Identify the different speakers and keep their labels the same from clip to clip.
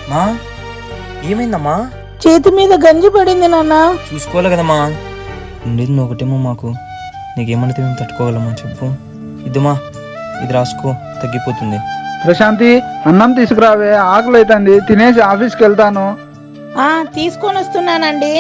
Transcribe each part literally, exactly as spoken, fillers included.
Speaker 1: మా ఏమైందమ్మా?
Speaker 2: చేతి మీద గంజి పడింది నాన్న.
Speaker 1: చూసుకోవాలి కదమ్మా. ఉండేది ఒకటేమో మాకు. నీకేమనితే మేము తట్టుకోగలమా చెప్పు. ఇదిమా, ఇది రాసుకో, తగ్గిపోతుంది.
Speaker 3: ప్రశాంతి, అన్నం తీసుకురావే, ఆకలి అవుతుంది. తినేసి ఆఫీస్కి వెళ్తాను.
Speaker 2: ఆ తీసుకొని వస్తున్నానండి.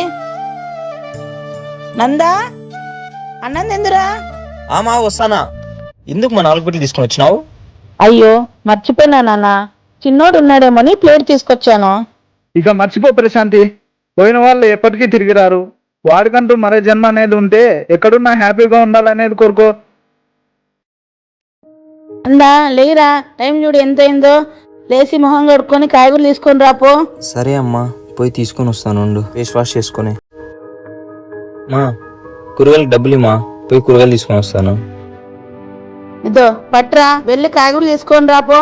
Speaker 2: నందా, అన్నం తిందురా.
Speaker 1: ఆమా వస్తానా. ఎందుకు మా నాలుగు పెట్టి తీసుకొని వచ్చినావు?
Speaker 2: అయ్యో మర్చిపోయినా నాన్న, చిన్నోడు ఉన్నాడేమోని ప్లేట్ తీసుకొచ్చాను.
Speaker 3: ఇక మర్చిపో ప్రశాంతి, పోయిన వాళ్ళు ఎప్పటికీ తిరిగి రారు. వాడికంటూ మరే జన్మ అనేది ఉంటే ఎక్కడున్నా హ్యాపీగా ఉండాలనేది కోరుకో.
Speaker 2: అందా లేరా, టైం చూడు ఎంత అయిందో. లేచి మొహం కడుక్కొని కాయగూరలు తీసుకొని రాపో.
Speaker 1: సరే అమ్మా, పోయి తీసుకొని వస్తాను. ఉండు, ఫేస్ వాష్ చేసుకొని. మా కూరగాయలకు డబ్బులు ఇమ్మా, పోయి కూరగాయలు తీసుకొని వస్తాను.
Speaker 2: ఇదో పట్రా, వెళ్ళి కాయగూరలు తీసుకొని రాపో.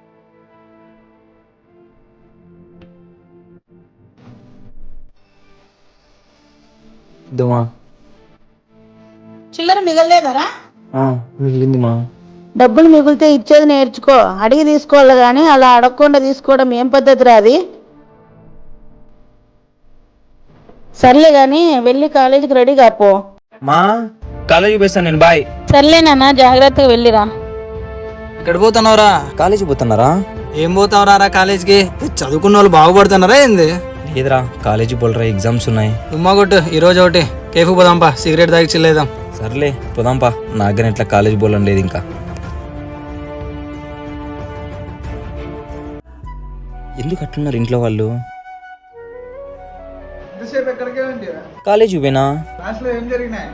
Speaker 1: ఇద్దమా.
Speaker 2: చిల్లర మిగలలేదరా?
Speaker 1: మిగిలింది మా.
Speaker 2: డబ్బులు మిగిలితే ఇచ్చేది నేర్చుకో, అడిగి తీసుకోవాలి గాని అలా అడగకుండా తీసుకోవడం ఏం పద్ధతి రాది. సర్లే గాని వెళ్ళి కాలేజీకి రెడీ కాపో.
Speaker 1: మా కాలేజీకి పోస్తాను నేను, బాయ్.
Speaker 2: సర్లే నాన్న, జాగ్రత్తగా వెళ్ళిరా.
Speaker 4: ఎక్కడ పోతున్నావురా?
Speaker 1: కాలేజీ పోతున్నారా?
Speaker 4: ఏం పోతావురా కాలేజీకి? చదువుకున్న వాళ్ళు బాగుపడుతున్నారా ఏంది?
Speaker 1: లేదురా, కాలేజీ పోలరా, ఎగ్జామ్స్ ఉన్నాయి.
Speaker 4: తుమ్మా కొట్టు, ఈ రోజు ఒకటి కేఫ్ పోదాంపా, సిగరెట్ తాగి చిల్లేదాం.
Speaker 1: సర్లే పోదాంపా, నాకని ఇట్లా కాలేజీ పోలని లేదు ఇంకా. ఎందుకు అట్లున్నారు ఇంట్లో వాళ్ళు? కాలేజీ పోయినా.
Speaker 3: క్లాస్లో ఏం జరిగినాయి?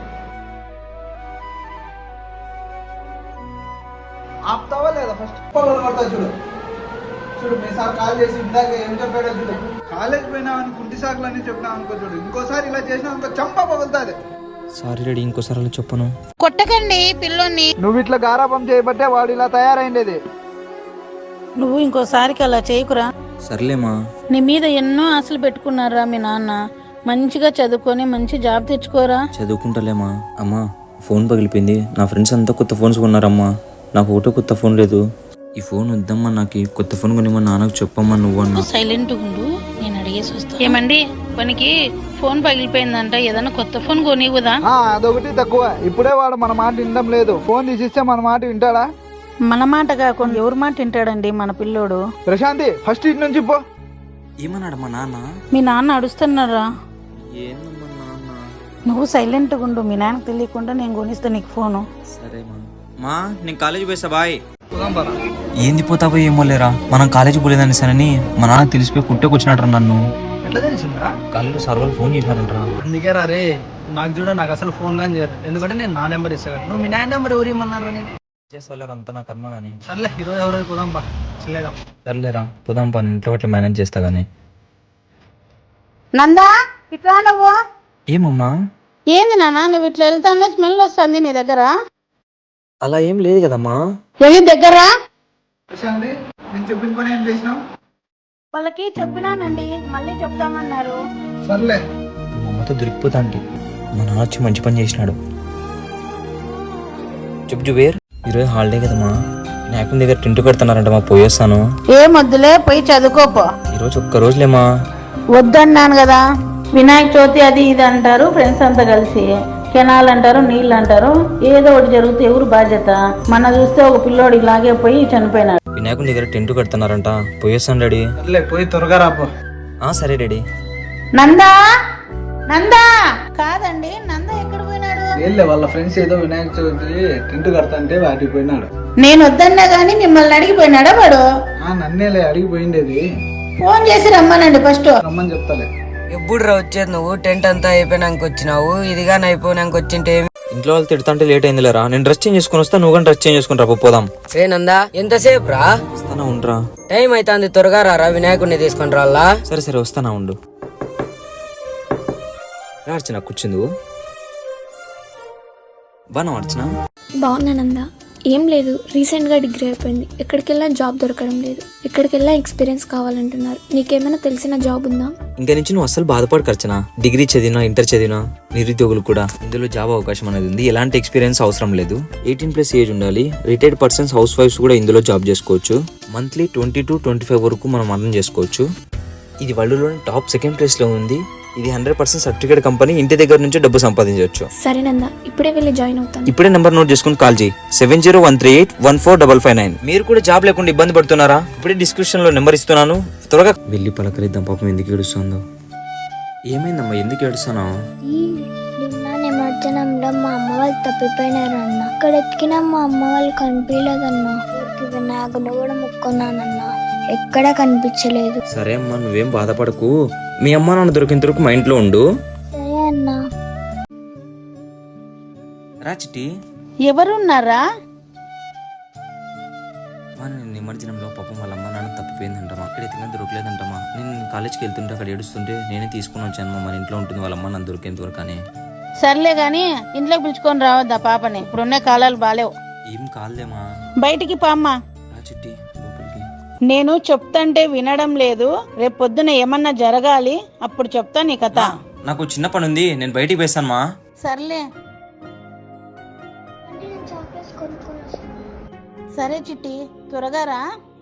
Speaker 3: ఆపుతావా లేదా? ఫస్ట్ కొడతా చూడు. చూడు మీ సార్ కాల్ చేసి ఇందాక ఏం చెప్పాడో చూడు. కాలేజ్ పోయినావని కుంటి సాకులు అని చెప్పినావు అనుకో, చూడు ఇంకోసారి ఇలా చేసినా అనుకో చంప పగులుతుంది.
Speaker 1: సారీ రెడీ, ఇంకోసారి అలా చెప్పను.
Speaker 2: కొట్టకండి పిల్లోని.
Speaker 3: నువ్వు ఇట్లా గారాపం చేయబట్టే వాడు ఇలా తయారైండేది.
Speaker 2: నువ్వు ఇంకోసారికి అలా చేయకురా.
Speaker 1: సర్లేమా.
Speaker 2: నీ మీద ఎన్నో ఆశలు పెట్టుకున్నారా మీ నాన్న. మంచిగా చదువుకొని మంచి జాబ్ తెచ్చుకోరా.
Speaker 1: చదువుకుంటలేమా. అమ్మా ఫోన్ పగిలిపోయింది, నా ఫ్రెండ్స్ అంతా కొత్త ఫోన్స్ కొన్నారమ్మా, నాకు ఒకటో కొత్త ఫోన్ లేదు. ఈ ఫోన్ వద్దమ్మా, నాకు కొత్త ఫోన్ కొనిమ్మా, నాన్నకు చెప్పమ్మా నువ్వు అన్నా.
Speaker 2: సైలెంట్ ఉండు, నేను అడిగేసి వస్తా. ఏమండి పనికి ఫోన్ పగిలిపోయిందంట, ఏదన్నా కొత్త ఫోన్ కొనివ్వదా?
Speaker 3: అదొకటి తక్కువ. ఇప్పుడే వాడు మన మాట వినడం లేదు. ఫోన్ తీసిస్తే మన మాట వింటాడా?
Speaker 2: మన మాట కాకుండా ఎవరి మాట వింటాడండి మన పిల్లోడు.
Speaker 3: ప్రశాంతి, ఫస్ట్ ఇటు నుంచి పో.
Speaker 1: ఏమన్నాడు మా నాన్న?
Speaker 2: మీ నాన్న అడుస్తున్నారా?
Speaker 1: ఏందమ్మా నాన్న?
Speaker 2: నువ్వు సైలెంట్గా ఉండు, మీ నాన్నకు తెలియకుండా నేను కొనిస్తా నీకు ఫోను.
Speaker 1: సరే మా. మా నేను కాలేజీ పోయిస్తా, బాయ్. ఏంది పోతావో ఏమో లేరా, మనం కాలేజీ పోలేదని సరని మా నాన్న తెలిసిపోయి కుట్టేకొచ్చినట్రా నన్ను.
Speaker 4: ఎట్లా తెలిసిందా?
Speaker 1: కాలేజీలో సార్ వాళ్ళు ఫోన్ చేసినారంటరా.
Speaker 4: అందుకే రా రే, నాకు చూడ నాకు అసలు ఫోన్ కానీ చేయరు. ఎందుకంటే నేను నా నెంబర్ ఇస్తాను. నువ్వు మీ నాన్న నెంబర్ ఎవరు ఇమ్మన్నారు?
Speaker 1: చేసేవాళ్ళకి అంతా నా కర్మ కానీ.
Speaker 4: సర్లే ఈరోజు ఎవరైతే పోదాంపా, చిల్లేదాం.
Speaker 1: సర్లేరా పోదాం పా, ఇంట్లో అట్లా మేనేజ్ చేస్తా కానీ.
Speaker 2: నందా ఇట్లా నువ్వు.
Speaker 1: ఏమమ్మా?
Speaker 2: ఏంది నాన్న నువ్వు ఇట్లా వెళ్తానే స్మెల్ వస్తుంది నీ దగ్గర.
Speaker 1: అలా ఏం లేదు కదమ్మా.
Speaker 2: ఏది దగ్గర?
Speaker 3: ప్రశాంతి, నేను చెప్పిన పని ఏం చేసినావు?
Speaker 2: వాళ్ళకి చెప్పినానండి, మళ్ళీ చెప్తామన్నారు.
Speaker 3: సర్లే.
Speaker 1: మా అమ్మతో దొరికిపోతా అంటే మా నాన్న వచ్చి మంచి పని చేసినాడు. చెప్పు జుబేర్, ఈరోజు హాలిడే కదమ్మా, నాకు దగ్గర టెంట్ కడుతున్నారంట, మా పోయేస్తాను.
Speaker 2: ఏం వద్దులే, పోయి చదువుకోపో.
Speaker 1: ఈరోజు ఒక్క రోజులేమా.
Speaker 2: వద్దన్నాను కదా. వినాయక చవితి అది ఇది అంటారు ఫ్రెండ్స్ అంతా కలిసి, కెనాల్ అంటారు, నీళ్ళు అంటారు, ఏదో ఒకటి జరిగితే ఎవరు బాధ్యత? మన చూస్తే ఒక పిల్లోడు ఇలాగే పోయి చనిపోయినాడు.
Speaker 1: వినాయకుని దగ్గర టెంట్ కడుతున్నారంట, పోయేస్తాను డాడీ.
Speaker 3: సర్లే, పోయి త్వరగా రాపో.
Speaker 1: ఆ సరే డాడీ.
Speaker 2: నందా, నందా కాదండి, నందా ఎక్కడ పోయినాడు?
Speaker 3: వీళ్ళే వాళ్ళ ఫ్రెండ్స్ ఏదో వినాయక చవితి టెంట్ కడతాంటే వాటికి పోయినాడు.
Speaker 2: నేను వద్దన్నా గానీ మిమ్మల్ని అడిగిపోయినాడా వాడు?
Speaker 3: నన్నేలే అడిగిపోయిండేది.
Speaker 2: ఫోన్ చేసి రమ్మనండి ఫస్ట్.
Speaker 3: రమ్మని చెప్తాలే.
Speaker 4: ఎప్పుడు రా వచ్చేది నువ్వు? టెంట్ అంతా అయిపోయినాక వచ్చినావు, ఇదిగా అయిపోయినాక వచ్చింటే.
Speaker 1: ఇంట్లో వాళ్ళు తిడుతుంటే లేట్ అయింది లేరా, నేను డ్రెస్ చేంజ్ చేసుకుని వస్తా, నువ్వు కానీ డ్రెస్ చేంజ్ చేసుకుని రా, పోదాం.
Speaker 4: రేనందా ఎంతసేపు రా?
Speaker 1: వస్తానా ఉండరా.
Speaker 4: టైం అవుతుంది, త్వరగా రా, వినాయకుడిని తీసుకొని రా.
Speaker 1: సరే సరే వస్తానా ఉండు. అర్చన కూర్చుంది. బాగా అర్చన.
Speaker 5: బాగున్నానందా. ఏం లేదు, రీసెంట్గా డిగ్రీ అయిపోయింది, ఎక్కడికెళ్ళా జాబ్ దొరకడం లేదు, ఎక్కడికెళ్ళా ఎక్స్పీరియన్స్ కావాలంటున్నారు. నీకేమైనా తెలిసిన జాబ్ ఉందా?
Speaker 1: ఇంకా నుంచి నువ్వు అసలు బాధపడకు అర్చన, డిగ్రీ చదివినా ఇంటర్ చదివినా నిరుద్యోగులు కూడా ఇందులో జాబ్ అవకాశం అనేది ఉంది. ఎలాంటి ఎక్స్పీరియన్స్ అవసరం లేదు, ఎయిటీన్ ప్లస్ ఏజ్ ఉండాలి. రిటైర్డ్ పర్సన్స్ హౌస్ వైఫ్స్ కూడా ఇందులో జాబ్ చేసుకోవచ్చు. Monthly twenty to twenty five వరకు మనం అర్థం చేసుకోవచ్చు. ఇది వరల్డ్లోని టాప్ సెకండ్ ప్లేస్లో ఉంది. ఇది హండ్రెడ్ పర్సెంట్ సర్టిఫికేట్ కంపెనీ. ఇంటి దగ్గర నుంచి డబ్బు సంపాదించవచ్చు.
Speaker 5: సరే నందా, ఇప్పుడే వెళ్ళి జాయిన్ అవుతాను.
Speaker 1: ఇప్పుడే నెంబర్ నోట్ చేసుకుని కాల్ చేయి. Seven zero one three eight one four double five nine. మీరు కూడా జాబ్ లేకుండా ఇబ్బంది పడుతున్నారా? ఇప్పుడే డిస్క్రిప్షన్ లో నెంబర్ ఇస్తున్నాను, త్వరగా వెళ్ళి పలకరిద్దాం. పాపం ఎందుకు ఏడుస్తుందో. ఏమైందమ్మా, ఎందుకు ఏడుస్తున్నావు?
Speaker 6: నిన్న నిమజ్జనంలో మా అమ్మ వాళ్ళు తప్పిపోయినారన్న. అక్కడ ఎక్కిన మా అమ్మ వాళ్ళు కనిపించలేదన్న. ఊరికి వినాయకుని కూడా ముక్కున్నానన్న, ఎక్కడా కనిపించలేదు.
Speaker 1: సరే అమ్మా, నువ్వేం బాధపడకు. మీ అమ్మ నాన్న దొరికిన వరకు మా ఇంట్లో ఉండు.
Speaker 6: సరే అన్న.
Speaker 1: రా చిట్టి.
Speaker 2: ఎవరున్నారా?
Speaker 1: నేను నిమజ్జనంలో పాపం వాళ్ళ అమ్మ నాన్న తప్పిపోయిందంటమా. అక్కడ ఎత్తుగా దొరకలేదంటమా. నేను కాలేజ్కి వెళ్తుంటే అక్కడ ఏడుస్తుంటే నేనే తీసుకుని వచ్చాను. మన ఇంట్లో ఉంటుంది వాళ్ళ అమ్మ నాన్న దొరికేంత వరకు. అని
Speaker 2: సర్లే గాని ఇంట్లోకి పిలుచుకొని రావద్దా పాపని? ఇప్పుడున్న కాలాలు బాలేవు.
Speaker 1: ఏం కాలేమా,
Speaker 2: బయటికి పామ్మా.
Speaker 1: రా చిట్టి లోపలికి.
Speaker 2: నేను చెప్తంటే వినడం లేదు. రేపు పొద్దున ఏమన్నా జరగాలి, అప్పుడు చెప్తా నీ కథ.
Speaker 1: నాకు చిన్న పని ఉంది, నేను బయటికి వేస్తాను.
Speaker 2: సర్లే. సరే చిట్టి, త్వరగా రా.